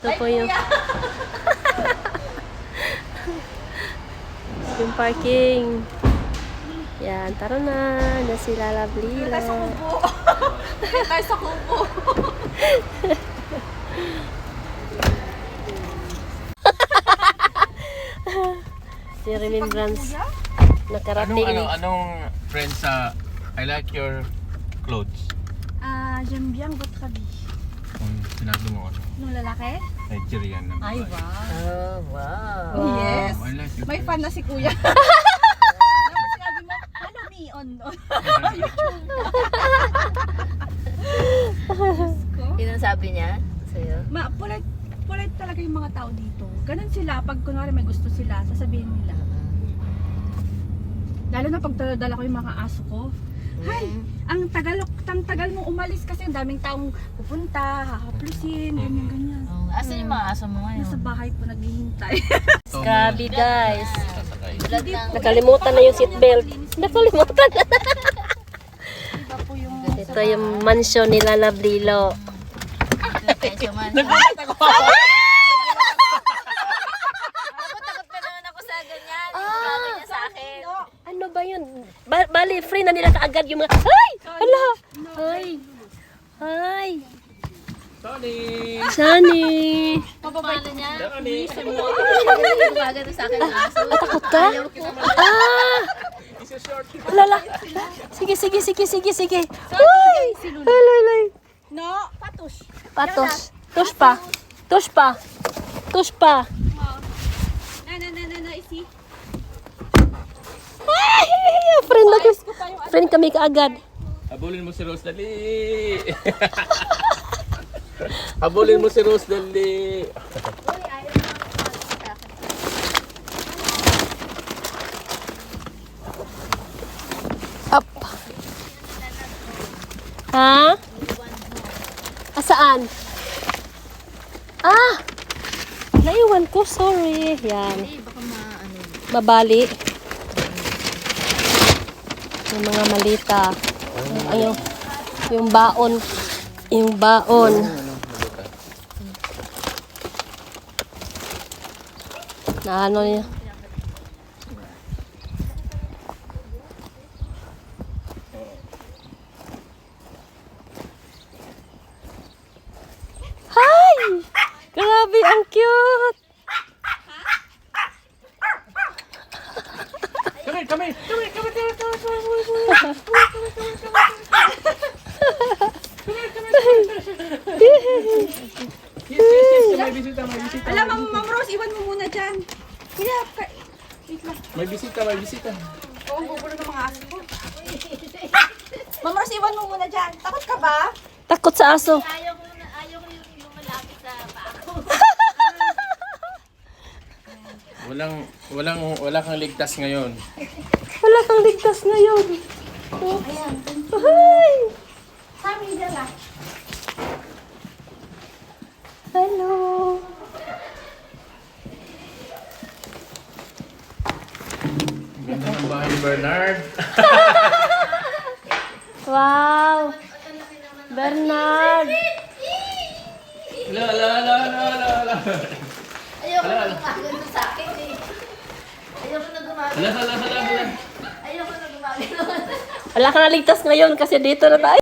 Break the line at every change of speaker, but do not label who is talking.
Ito po yung yung parking. Yan, tara na. Na sila Lablila.
Tayo sa kubo. Tayo sa kubo.
Si Remembrance. Nakarating.
Anong friend sa I like your clothes?
J'aime bien votre habit.
Sinabi mo ano?
Nung lalaki?
Nigerian na.
Ay, wow.
Oh, wow.
Yes.
I like your
May fan na si kuya. Sinabi mo, follow me on YouTube.
Yun ang sabi niya sa'yo?
Polite talaga yung mga tao dito. Ganun sila, pag kunwari may gusto sila, sasabihin nila. Lalo na pag dala ko yung mga aso ko. Hay, ang tagal mo umalis kasi ang daming taong pupunta, hahaplusin, ganyan.
Oh, asan yung mga aso mo ngayon?
Nasa bahay po naghihintay.
Grabe guys.
Sasakay.
Tulad ng
Nakalimutan na yung seatbelt. Nakalimutan na.
Iba po yung
Ito yung mansion nila Lablilo.
presyo man. Takot na naman ako sa ganyan. Sabi niya sa akin.
Ano ba yun? Bali, free na nila kaagad yung mga... Ay! Hala! Ay! Ay!
Sorry!
Sunny!
Paano niya?
Sorry!
Gumagano sa akin ang aso.
Takot ka? Ah! Lala! Sige. Uy! Lay!
No, patus.
Patos. Tush pa.
Na, isi.
Ay! Friend ako. Friend kami kaagad.
Habulin mo si Rose, dali! Habulin mo si Rose, dali!
Up. Ha? Asaan? Ah! Naiwan ko, sorry. Yan.
Baka maano.
Mabali. Yung mga malita. Yung baon. Yung baon. Na ano niya. Hi! Grabe, ang cute!
Come here! Yes, may bisita.
Alam mo, Ma'am Rose, iwan mo muna dyan. Kuya, wait lang.
May bisita.
Oo, ang gugulo ng mga aso ko. Ma'am Rose, iwan mo muna dyan. Takot ka ba?
Takot sa aso.
Ayaw ko yung malapit sa paa ko.
Wala kang ligtas ngayon.
Wala kang ligtas ngayon.
Ayan.
Hi!
Sabi dala.
Hello!
Ganda ng bahay ni Bernard.
Wow! Bernard!
Ala.
Ayaw ko na gumagano sa akin eh. Ayaw ko na gumagano.
Ala.
Ayaw ko na gumagano.
Wala kang ligtas ngayon kasi dito na tayo.